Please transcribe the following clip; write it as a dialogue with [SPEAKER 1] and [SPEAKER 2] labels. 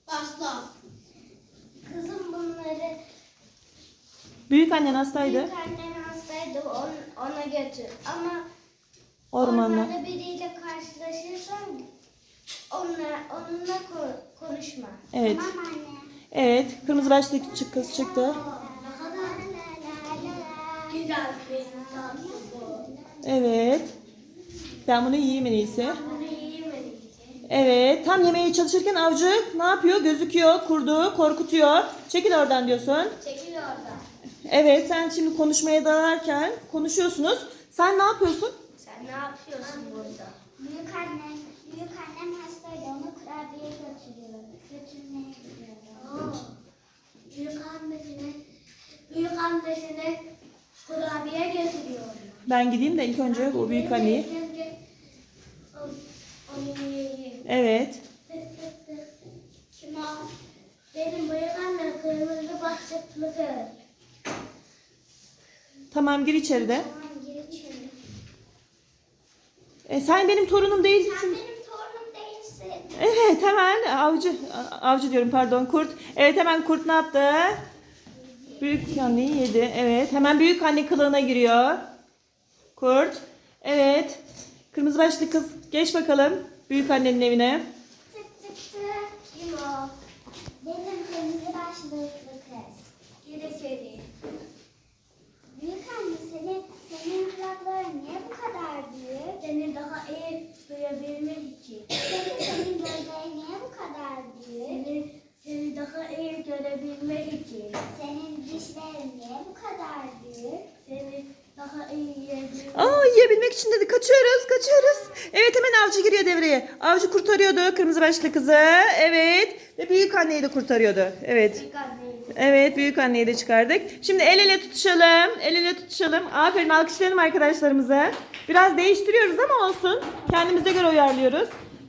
[SPEAKER 1] Asla. Kızım bunları
[SPEAKER 2] Büyük annen hastaydı.
[SPEAKER 1] büyük annem hastaydı, ona götür. Ama
[SPEAKER 2] Ormanda.
[SPEAKER 1] ormanda biriyle karşılaşırsan onunla konuşma.
[SPEAKER 2] Evet.
[SPEAKER 1] Tamam anne.
[SPEAKER 2] Evet. Kırmızı başlı kız çıktı.
[SPEAKER 1] Güzel bir tatlı bu.
[SPEAKER 2] Evet. Ben bunu yiyeyim en iyisi.
[SPEAKER 1] Bunu yiyemedik.
[SPEAKER 2] Evet. Tam yemeye çalışırken avcı ne yapıyor? Gözüküyor. Kurdu. Korkutuyor. Çekil oradan diyorsun.
[SPEAKER 1] Çekil oradan.
[SPEAKER 2] Evet. Sen şimdi konuşmaya dalarken konuşuyorsunuz. Sen ne yapıyorsun?
[SPEAKER 1] Sen ne yapıyorsun burada? Büyük annem hastaydı. Onu kurabiye götürmeye gidiyorum. Büyük annesine kurabiye götürüyorum.
[SPEAKER 2] Ben gideyim de ilk önce o büyük anneyi.
[SPEAKER 1] Onu yiyeyim.
[SPEAKER 2] Evet.
[SPEAKER 1] Kim o? Benim büyük annem kırmızı başlıklı kız.
[SPEAKER 2] Tamam, gir içeride.
[SPEAKER 1] Tamam, gir içeri.
[SPEAKER 2] Sen benim torunum
[SPEAKER 1] Sen
[SPEAKER 2] değilsin.
[SPEAKER 1] benim torunum değilsin.
[SPEAKER 2] Evet, hemen avcı diyorum, pardon, kurt. Evet, hemen kurt ne yaptı? Büyük anneyi yedi. Evet, hemen büyük anne kılığına giriyor. Kurt. Evet. Kırmızı başlı kız, geç bakalım büyük annenin evine.
[SPEAKER 1] Tık tık tık. Kim o? Benim kırmızı başlıklı kız. Gir içeri. Büyük anne senin kulakların niye bu kadar büyük? Seni daha iyi duyabilmek için. Senin gözlerin niye bu kadar büyük? Seni daha iyi görebilmek için. Senin dişlerin niye bu kadar büyük? Seni daha iyi yiyebilmek.
[SPEAKER 2] Yiyebilmek için dedi. Kaçıyoruz. Evet, hemen avcı giriyor devreye. Avcı kurtarıyordu kırmızı başlı kızı. Evet. Ve büyük anneyi de kurtarıyordu. Evet.
[SPEAKER 1] Büyük anneydi.
[SPEAKER 2] Evet, büyük anneyi de çıkardık. Şimdi el ele tutuşalım. El ele tutuşalım. Aferin, alkışlayalım arkadaşlarımıza. Biraz değiştiriyoruz ama olsun. Kendimize göre uyarlıyoruz.